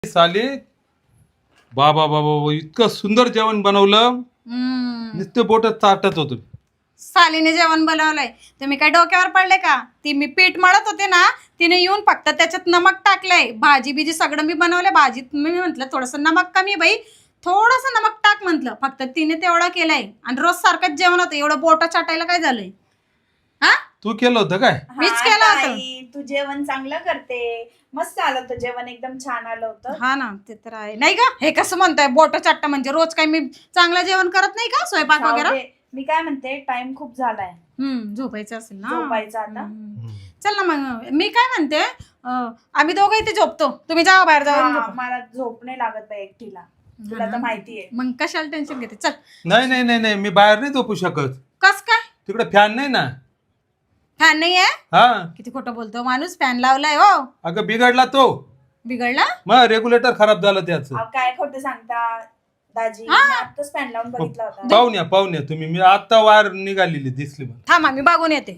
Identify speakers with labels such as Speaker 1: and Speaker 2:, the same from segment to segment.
Speaker 1: साले बाबा बाबा इतकं सुंदर जेवण बनवलं. नुसते बोट चाटत होतो.
Speaker 2: सालीने जेवण बनवलंय. तुम्ही काय डोक्यावर पडले का? ती मी पीठ मळत होते ना, तिने येऊन फक्त त्याच्यात नमक टाकलंय. भाजी बिजी सगळं मी बनवलंय. भाजीत मी म्हंटल थोडस नमक कमी बाई, थोडस नमक टाक म्हंटल. फक्त तिने तेवढा केलाय. आणि रोज सारखंच जेवण होतं. एवढं बोट चाटायला काय झालंय? हा,
Speaker 1: तू केलं होतं काय?
Speaker 2: मीच केलं होतं.
Speaker 3: तू जेवण चांगलं करते. मस्त आलं होतं जेवण, एकदम छान आलं होतं.
Speaker 2: हा ना, ते तर आहे. नाही का हे कसं म्हणताय बोट चाटता म्हणजे? रोज काय मी चांगलं जेवण करत नाही का? स्वयंपाक
Speaker 3: जाऊ
Speaker 2: वगैरे.
Speaker 3: दे. मी काय म्हणते, टाइम खूप झालाय,
Speaker 2: झोपायचं असेल ना.
Speaker 3: झोपायचं आता.
Speaker 2: चल ना मग. मी काय म्हणते, आम्ही दोघं इथे झोपतो. तुम्ही जावा बाहेर जाऊन
Speaker 3: हा,
Speaker 2: झोपा.
Speaker 3: मला झोप नाही लागत बाई एकटीला, तुला तर माहितीये.
Speaker 2: मग कशाला टेन्शन घेते? चल.
Speaker 1: नाही नाही नाही नाही मी बाहेर नाही झोपू शकत.
Speaker 2: कस काय?
Speaker 1: तिकडे फॅन नाही ना.
Speaker 2: फॅन नाही आहे?
Speaker 1: हा
Speaker 2: किती खोटं बोलतो माणूस. फॅन लावलाय हो.
Speaker 1: अगं बिघडला तो.
Speaker 2: बिघडला?
Speaker 1: मग रेग्युलेटर खराब झालं त्याचं.
Speaker 3: अहो, काय खोटं सांगता दाजी,
Speaker 2: हा.
Speaker 3: मी आत्ताच पॅन लावून बघितला होता.
Speaker 1: पाहुण्या तुम्ही. मी आता वायर निघालेली दिसली मला.
Speaker 2: थांबा मी बघून येते.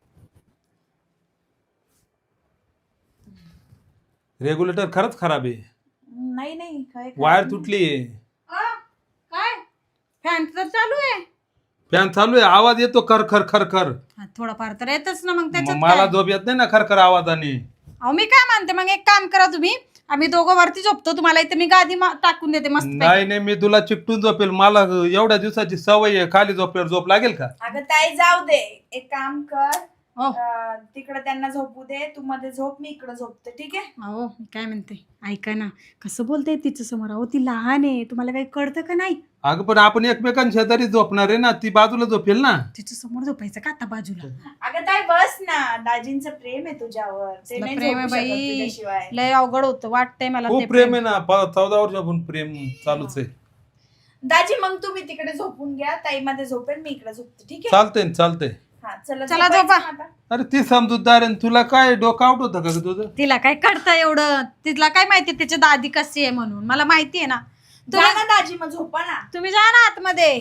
Speaker 1: रेग्युलेटर खरंच खराब आहे.
Speaker 3: नाही नाही, काय
Speaker 1: वायर तुटली.
Speaker 2: काय? फॅन तर चालू आहे.
Speaker 1: फॅन चालू आहे. आवाज येतो खर खर खर खर.
Speaker 2: हा, थोडाफार तर येतच ना. मग त्याच्यात
Speaker 1: मला
Speaker 2: काय?
Speaker 1: झोप येत नाही ना खर खर आवाजाने.
Speaker 2: अहो मी काय म्हणते, मग एक काम करा तुम्ही. आम्ही दोघं वरती झोपतो. तुम्हाला इथे मी गादी टाकून देते मस्त.
Speaker 1: नाही नाही मी तुला चिकटून झोपेल. मला एवढ्या दिवसाची सवय आहे. खाली झोपल्यावर झोप लागेल का?
Speaker 3: अगं ताई जाऊ दे, एक काम कर,
Speaker 2: हो.
Speaker 3: तिकडे त्यांना झोपू दे, तू मध्ये झोप, मी इकडे झोपते, ठीक आहे?
Speaker 2: अहो मी काय म्हणते, ऐका ना. कसं बोलताय तिच्या समोर? अहो ती लहान आहे. तुम्हाला काही कळतं का नाही?
Speaker 1: अगं पण आपण एकमेकांच्या शेजारी झोपणार आहे ना. ती बाजूला झोपेल ना.
Speaker 2: तिच्या समोर झोपायचं का आता बाजूला?
Speaker 3: अगं ताई बस ना, दाजींचं प्रेम आहे तुझ्यावर, ते
Speaker 2: तुला
Speaker 3: नाही
Speaker 2: प्रेम आहे
Speaker 3: झोपू शकत
Speaker 2: बाई.
Speaker 3: तुझ्याशिवाय.
Speaker 2: लय अवघड होतं वाटतंय मला ते
Speaker 1: खूप प्रेम आहे ना. 14 वर्षापासून प्रेम चालूच आहे.
Speaker 3: दाजी मग तुम्ही तिकडे झोपून घ्या, ताई मध्ये झोपेल, मी इकडे झोपते, ठीक आहे?
Speaker 1: चालतंय ना, चालतंय.
Speaker 3: हा चला
Speaker 2: चला
Speaker 3: झोपायचं
Speaker 2: झोपा.
Speaker 3: ना आता.
Speaker 1: अरे ती समजूतदार आहे. तुला काय डोकं आउट होतं का ग तुझं?
Speaker 2: तिला काय कळतं एवढं? तिला काय माहिती त्याची दादी कशी आहे म्हणून? मला माहिती आहे ना.
Speaker 3: जा ना दाजी, मग झोपा ना.
Speaker 2: तुम्ही जा ना आतमध्ये.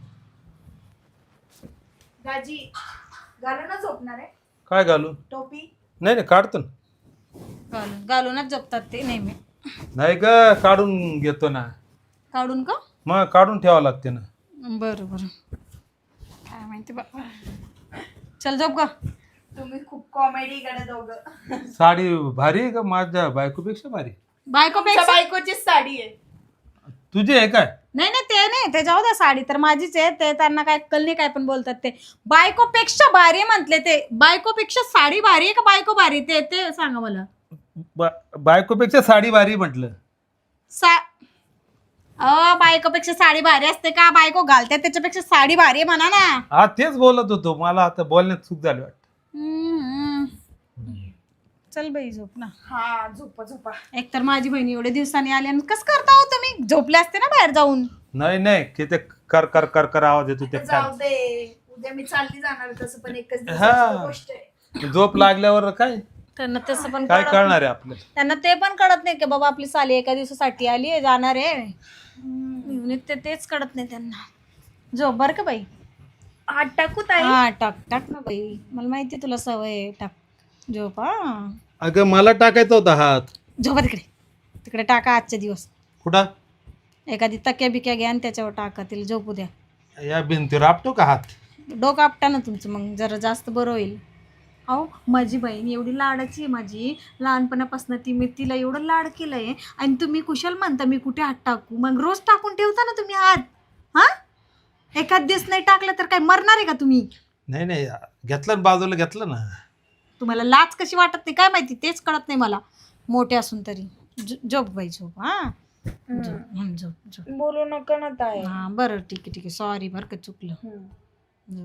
Speaker 3: दाजी घालू ना झोपणार आहे?
Speaker 1: काय घालू?
Speaker 3: टोपी.
Speaker 1: नाही नाही काढतो ना.
Speaker 2: घालूनच झोपतात ते नेहमी.
Speaker 1: नाही ग काढून घेतो ना.
Speaker 2: काढून का?
Speaker 1: मग काढून ठेवावं लागते ना.
Speaker 2: बरं बरं. काय माहिती बा. चल झोप का.
Speaker 3: तुम्ही खूप कॉमेडी कडे दोघं.
Speaker 1: साडी भारी आहे का? माझ्या बायकोपेक्षा भारी.
Speaker 2: बायकोपेक्षा
Speaker 3: बायकोचीच साडी आहे.
Speaker 1: तुझी आहे काय?
Speaker 2: नाही नाही ते नाही, ते जाऊ द्या. साडी तर माझीच आहे. ते त्यांना काय कल नाही, काय पण बोलतात ते. बायकोपेक्षा भारी म्हटले ते. बायकोपेक्षा साडी भारी आहे का बायको भारी? ते ते सांगा मला.
Speaker 1: बायकोपेक्षा साडी भारी म्हटलं.
Speaker 2: बायकोपेक्षा साडी भारी असते का? बायको घालते त्याच्यापेक्षा साडी भारी आहे म्हणा ना.
Speaker 1: हा तेच बोलत होतो. मला आता बोलण्यात चूक झाली वाटत.
Speaker 2: चल बाई झोप ना.
Speaker 3: हा झोपा झोपा.
Speaker 2: एक तर माझी बहिणी एवढे दिवसांनी आली आणि कसं करता हो तुम्ही? झोपले असते ना बाहेर जाऊन.
Speaker 1: नाही नाही की ते कर कर कर कर आवाज येतो त्या
Speaker 3: जाऊ दे, उद्या मी चालली जाणार, तसं पण एकच
Speaker 1: हा.
Speaker 3: दिवसाची गोष्ट आहे.
Speaker 1: झोप लागल्यावर काय
Speaker 2: त्यांना तसं पण
Speaker 1: काय
Speaker 2: कळत
Speaker 1: कळणार आहे आपल्याला?
Speaker 2: त्यांना ते पण कळत नाही की बाबा आपली साली एका दिवसासाठी आली आहे, जाणार आहे. तेच कळत नाही त्यांना. झोप बर का बाई.
Speaker 3: हात टाकू ताई?
Speaker 2: हा टाक टाक ना बाई. मला माहिती तुला सवय आहे. टाक. झोप. हा
Speaker 1: अगं मला टाकायचा होता हात.
Speaker 2: झोपा तिकडे. तिकडे टाका आजचे दिवस.
Speaker 1: कुठं?
Speaker 2: एखादी तक्या बिक्या घ्या आणि त्याच्यावर टाका. तिला झोपू द्या.
Speaker 1: या भिंतीवर आपटो का हात?
Speaker 2: डोकं आपटा ना तुमचं, मग जरा जास्त बरं होईल. अहो माझी बहीण एवढी लाडाची आहे माझी. लहानपणापासून मी तिला एवढं लाड केलंय आणि तुम्ही कुशल म्हणता मी कुठे हात टाकू? मग रोज टाकून ठेवता ना तुम्ही हात. हा, एखाद दिवस नाही टाकलं तर काय मरणार आहे का तुम्ही?
Speaker 1: नाही नाही घेतलं ना, बाजूला घेतलं ना.
Speaker 2: तुम्हाला लाज कशी वाटत नाही काय माहिती, तेच कळत नाही मला. मोठे असून तरी. झोप बाई झोप. हा झोप झोप.
Speaker 3: बोलू नका ना ताई.
Speaker 2: हा बरं ठीक आहे ठीक आहे. सॉरी बरं का चुकलं. झोप.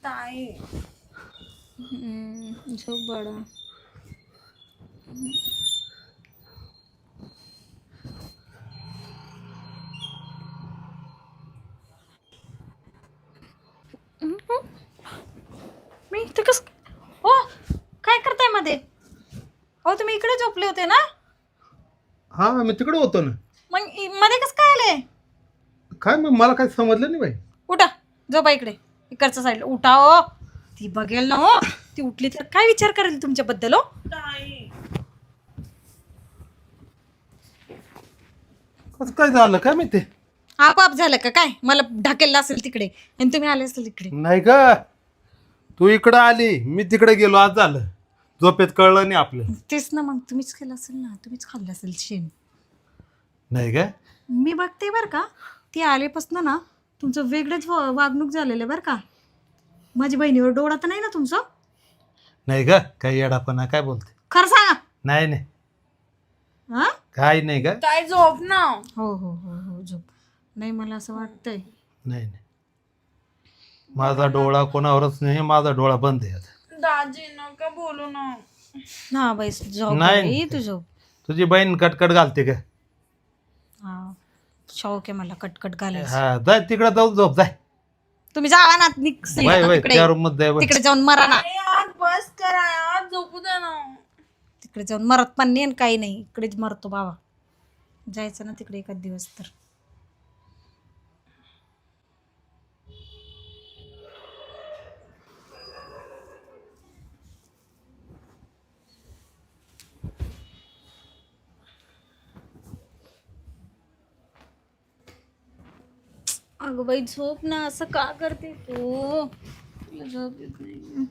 Speaker 3: ताई
Speaker 2: झोप बडा. मी इथं कस हो काय करताय मध्ये? हो तुम्ही इकडे झोपले होते ना?
Speaker 1: हा मी तिकडे होतो ना.
Speaker 2: मग मध्ये कसं काय आले?
Speaker 1: काय मग मला काय समजलं नाही बाई.
Speaker 2: उठा झोपा इकडे इकडच्या साईडला उठा. हो ती बघेल ना. हो ती उठली तर काय विचार करेल तुमच्याबद्दल? हो
Speaker 3: ताई
Speaker 1: कसं काय झालं काय माहिती?
Speaker 2: आपाप झालं का काय? मला ढाकेलला असेल तिकडे आणि तुम्ही आले असेल इकडे.
Speaker 1: नाही का तू इकडं आली मी तिकडे गेलो आज झालं. झोपेत कळलं नाही आपलं.
Speaker 2: तेच ना मग तुम्हीच केलं असेल ना. तुम्हीच खाल्लं असेल शेण.
Speaker 1: नाही का
Speaker 2: मी बघते बरं का ती आलेपासून ना तुमचं वेगळंच वागणूक झालेलं आहे बरं का. माझी बहिणीवर डोळा तर नाही ना तुमचं?
Speaker 1: नाही का काही येडापणा काय बोलते?
Speaker 2: खरं सांगा.
Speaker 1: नाही नाही
Speaker 2: हा
Speaker 1: काय नाही का
Speaker 3: ताई झोप ना.
Speaker 2: हो हो हो हो झोप. नाही मला असं वाटतंय.
Speaker 1: नाही नाही माझा डोळा कोणावरच नाही. माझा डोळा बंद आहे आता.
Speaker 3: दाजी नका बोलू ना.
Speaker 2: हा बाई झोप
Speaker 1: नाही.
Speaker 2: बाई, तू झोप.
Speaker 1: तुझी बहीण कटकट घालते का?
Speaker 2: हा शौक आहे मला कटकट घालायचं.
Speaker 1: हा जाय तिकडे जाऊन झोप जाय.
Speaker 2: तुम्ही जावा ना
Speaker 1: वय वय
Speaker 2: तिकडे
Speaker 1: त्या रूम मध्ये जाय वय.
Speaker 2: तिकडे जाऊन मरा ना.
Speaker 3: अरे यार बस करा यार झोपू दे ना.
Speaker 2: तिकडे जाऊन मरत पण नाही आणि काही नाही. इकडेच मरतो बाबा. जायचं ना तिकडे एखाद दिवस तर. अगं बाई झोप ना. असं का करते तू? तुला झोप येत नाही.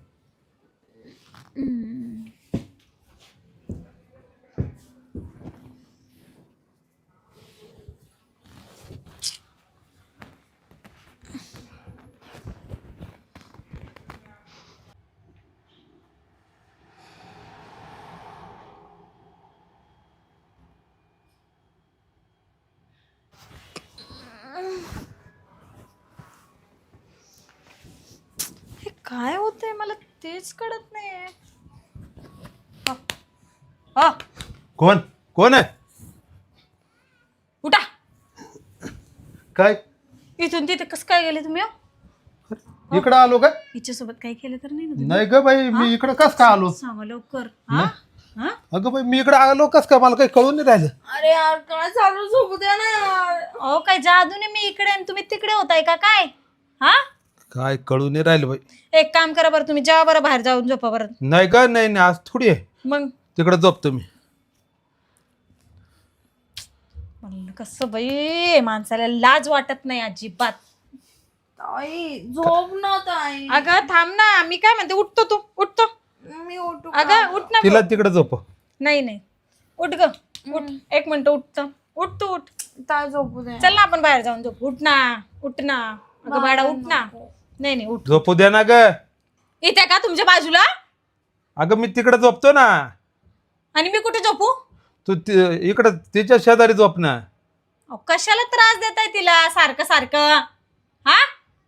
Speaker 2: हे काय होतंय मला तेच कळत नाहीये. हा
Speaker 1: कोण कोण आहे?
Speaker 2: उठा.
Speaker 1: काय
Speaker 2: इथून तिथे कसं काय गेले तुम्ही?
Speaker 1: इकडं आलो का?
Speaker 2: हिच्यासोबत काही केलं तर नाही ना तुम्ही?
Speaker 1: नाही ग बाई मी इकडं कस काय आलो?
Speaker 2: सांगा लवकर. हा हा
Speaker 1: अगं बाई मी इकडे आलो कस काय? मला काही कळून नाही राहिलं.
Speaker 3: अरे यार काय चालू झोपू दे ना यार.
Speaker 2: अहो काय जादूने मी इकडे आणि तुम्ही तिकडे होताय का काय? हा
Speaker 1: काय कळून नाही राहिलं बाई.
Speaker 2: एक काम करा बरं तुम्ही जेव्हा बरं बाहेर जाऊन झोपा बरं.
Speaker 1: नाही का नाही नाही आज थोडी आहे.
Speaker 2: मग
Speaker 1: तिकडे झोपतो मी.
Speaker 2: म्हणलं कसं बाई माणसाला लाज वाटत नाही अजिबात.
Speaker 3: ताई झोप ना ताई.
Speaker 2: अगं थांब ना. मी काय म्हणते उठतो तू उठतो.
Speaker 3: मी उठू
Speaker 2: अगं उठ ना.
Speaker 1: तिला तिकडे झोप.
Speaker 2: नाही नाही उठ ग उठ. एक मिनिट उठतो. उठ तू उठ.
Speaker 3: ताई झोपू दे.
Speaker 2: चल ना आपण बाहेर जाऊन झोप. उठ ना उठ ना. अगं बाळा उठ ना. नाही नाही उठ.
Speaker 1: झोपू द्या ना ग.
Speaker 2: इथे का तुमच्या बाजूला?
Speaker 1: अगं मी तिकडे झोपतो ना.
Speaker 2: आणि मी कुठे झोपू?
Speaker 1: तू इकडं तिच्या शेजारी झोप ना.
Speaker 2: अहो, कशाला त्रास देताय तिला सारखं सारखं? हा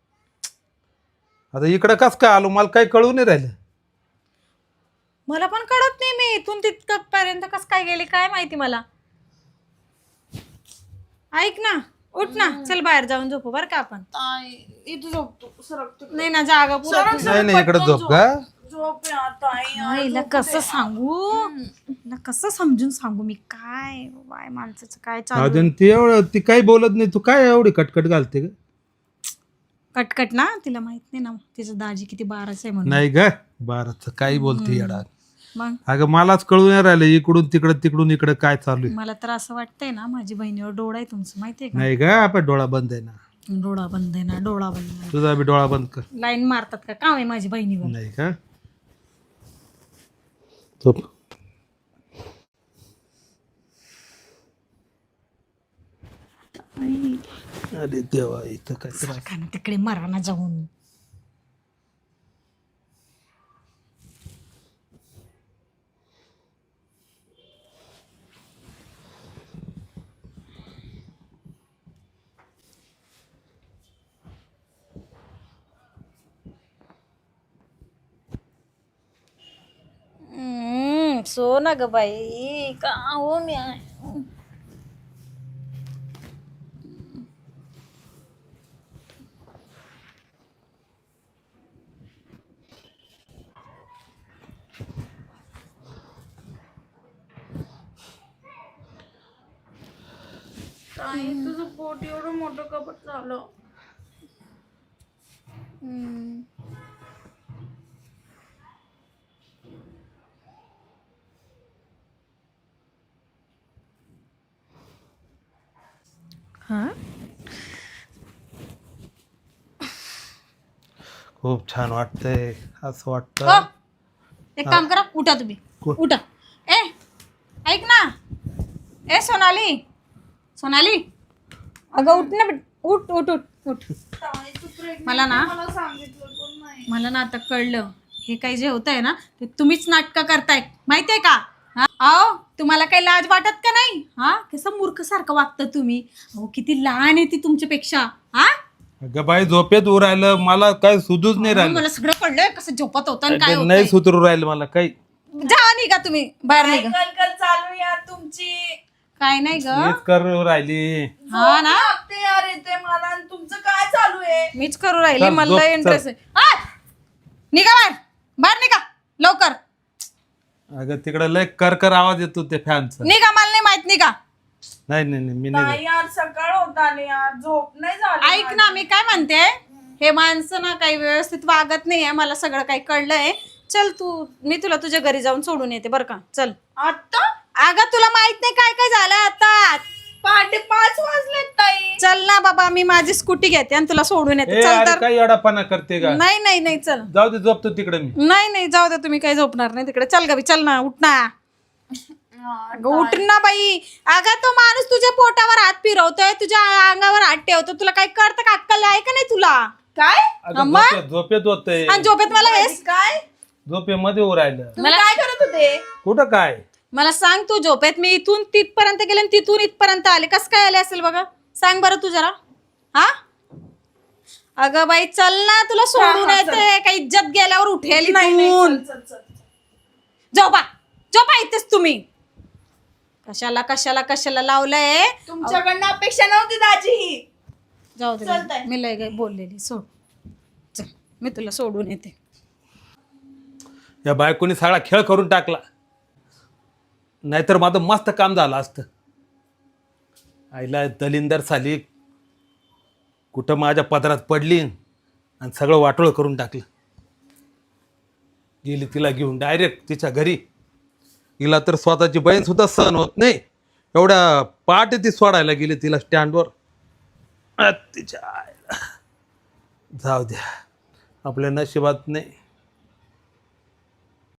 Speaker 1: आता इकडं कस काय आलो मला काही कळून नाही राहिलं.
Speaker 2: मला पण कळत नाही. मी इथून तिथपर्यंत कस काय गेले काय माहिती मला. ऐक ना उठ ना. चल बाहेर जाऊन झोपू बरं का आपण.
Speaker 3: ताई इथे झोपतो सरकतो.
Speaker 2: नाही ना जागा पुरत
Speaker 1: नाही नाही इकडे झोप का?
Speaker 3: झोप यार ताई यार.
Speaker 2: हिला कसं सांगू. हिला कसं समजून सांगू मी. काय बाय माणसाचं काय चालू.
Speaker 1: अजून ती एवढं ती काही बोलत नाही. तू काय एवढी कटकट घालते ग?
Speaker 2: कटकट ना. तिला माहित नाही ना तिचं दाजी किती बाराच आहे म्हणून.
Speaker 1: नाही ग बाराच काही बोलते येडा.
Speaker 2: मग
Speaker 1: अगं मलाच कळून नाही राहिलं इकडून तिकडं काय चालू आहे.
Speaker 2: मला तर असं वाटतंय ना माझी बहिणीवर डोळा आहे तुमचं माहितीये का?
Speaker 1: नाही ग आपण डोळा बंद आहे ना.
Speaker 2: डोळा बंद आहे ना. डोळा बंद आहे.
Speaker 1: तुझा बी डोळा बंद कर.
Speaker 2: लाईन मारतात का काम आहे माझी बहिणीवर?
Speaker 1: नाही का झोप. अरे देवा इथं काय त्रास.
Speaker 2: सारखा ना तिकडे मरा ना जाऊन. सो ना ग बाई, का हो मी
Speaker 3: ताई तुझं पोट एवढं मोठं कपट झालं.
Speaker 2: हा
Speaker 1: खूप छान वाटतंय. असं
Speaker 2: हो,
Speaker 1: वाटतं
Speaker 2: एक काम करा, उठा तुम्ही,
Speaker 1: कोण?
Speaker 2: उठा. ए ऐक ना, ए सोनाली, सोनाली, अगं उठ ना, उठ उठ उठ उठ.
Speaker 3: ताई तू pregnant
Speaker 2: मला ना-
Speaker 3: आहे, मला सांगितलं पण नाही.
Speaker 2: मला ना आता कळलं, हे काही जे होत आहे ना ते तुम्हीच नाटकं करताय, माहितीये का? हा अहो, तुम्हाला काही लाज वाटत का नाही? हा कसं मूर्ख सारखं वागतं तुम्ही. अहो किती लहान आहे ती तुमच्यापेक्षा. हा
Speaker 1: अगं बाई झोपेत उर राहिलं, मला काय सुधूच नाही राहिलं.
Speaker 2: मला सगळं कळलंय कसं झोपत होतं आणि काय
Speaker 1: अगं, नाही
Speaker 2: होतं.
Speaker 1: सुधरू राहिलं मला काही.
Speaker 2: जा निघा तुम्ही बाहेर,
Speaker 3: काय
Speaker 2: निघा.
Speaker 3: कलकल चालू यार तुमची.
Speaker 2: काय नाही ग,
Speaker 1: मीच करू राहिली.
Speaker 2: हा ना,
Speaker 3: ते यार येते मला आणि तुमचं काय चालू आहे?
Speaker 2: मीच करू राहिली,
Speaker 1: चल,
Speaker 2: मला
Speaker 1: झोप,
Speaker 2: इंटरेस्ट आहे. आ! निघा बाहेर, बाहेर निघा लवकर.
Speaker 1: अगं तिकडे लय कर आवाज येतो ते फॅनचा.
Speaker 2: निघा, मला नाही माहित, निघा.
Speaker 1: नाही नाही नाही, मी नाही
Speaker 3: ताई यार सकाळ होत आली यार, झोप नाही झाली.
Speaker 2: ऐक ना, मी काय म्हणते, हे माणसं ना काही व्यवस्थित वागत नाहीये, मला सगळं काही कळलंय. चल तू, मी तुला तुझ्या घरी जाऊन सोडून येते बरं का. चल.
Speaker 3: आता
Speaker 2: अगं तुला माहित नाही काय काय झालं आता.
Speaker 3: पहाटे 5 वाजलेत ताई.
Speaker 2: चल ना बाबा, मी माझी स्कूटी घेते आणि तुला सोडून येते.
Speaker 1: ए,
Speaker 2: चल
Speaker 1: अरे
Speaker 2: तर.
Speaker 1: काय एवढापणा करते का?
Speaker 2: नाही नाही नाही, चल.
Speaker 1: जाऊ दे, झोपतो तिकडे मी.
Speaker 2: नाही नाही, जाऊ दे, तुम्ही काही झोपणार नाही तिकडे. चल गबी, चल ना, उठ ना. अगं उठ ना बाई. अगं तो माणूस तुझ्या पोटावर हात फिरवतोय, तुझ्या अंगावर हात ठेवतो, तुला काही कळतं का? अक्कल आहे का नाही तुला?
Speaker 3: काय
Speaker 1: अगं
Speaker 2: अम्मा?
Speaker 1: झोपेत होतंय.
Speaker 2: आणि झोपेत मला हेच.
Speaker 3: काय
Speaker 1: झोपेमध्ये उर राहिलं.
Speaker 3: तुम्ही काय करत होते?
Speaker 1: कुठं काय?
Speaker 2: मला सांग, तू झोपेत मी इथून तिथपर्यंत गेले आणि तिथून इथपर्यंत आले, कसं काय आले असेल बघा? सांग बरं तू जरा. हा अगं बाई चल ना, तुला सोडून
Speaker 3: हा,
Speaker 2: येते. काही इज्जत गेल्यावर उठेल
Speaker 3: नाही नाही,
Speaker 2: इथून.
Speaker 3: चल, चल, चल.
Speaker 2: झोपा झोपा इथेच तुम्ही. कशाला कशाला कशाला लावलंय?
Speaker 3: तुमच्याकडनं अपेक्षा नव्हती दाजी ही.
Speaker 2: जाऊ दे
Speaker 3: चालतंय.
Speaker 2: मी लय काय बोललेली, सोड. चल, मी तुला सोडून येते.
Speaker 1: या बायकोनी सगळा खेळ करून टाकला, नाहीतर माझं मस्त काम झालं असतं. आईला दलिंदर साली कुठं माझ्या पदरात पडली आणि सगळं वाटोळं करून टाकलं. गेली तिला घेऊन डायरेक्ट तिच्या घरी. हिला तर स्वतःची बहीण सुद्धा सहन होत नाही, एवढ्या पहाटे ती सोडायला गेली तिला स्टँडवर. तिच्या आईला. जाऊ द्या, आपल्या नशिबात नाही.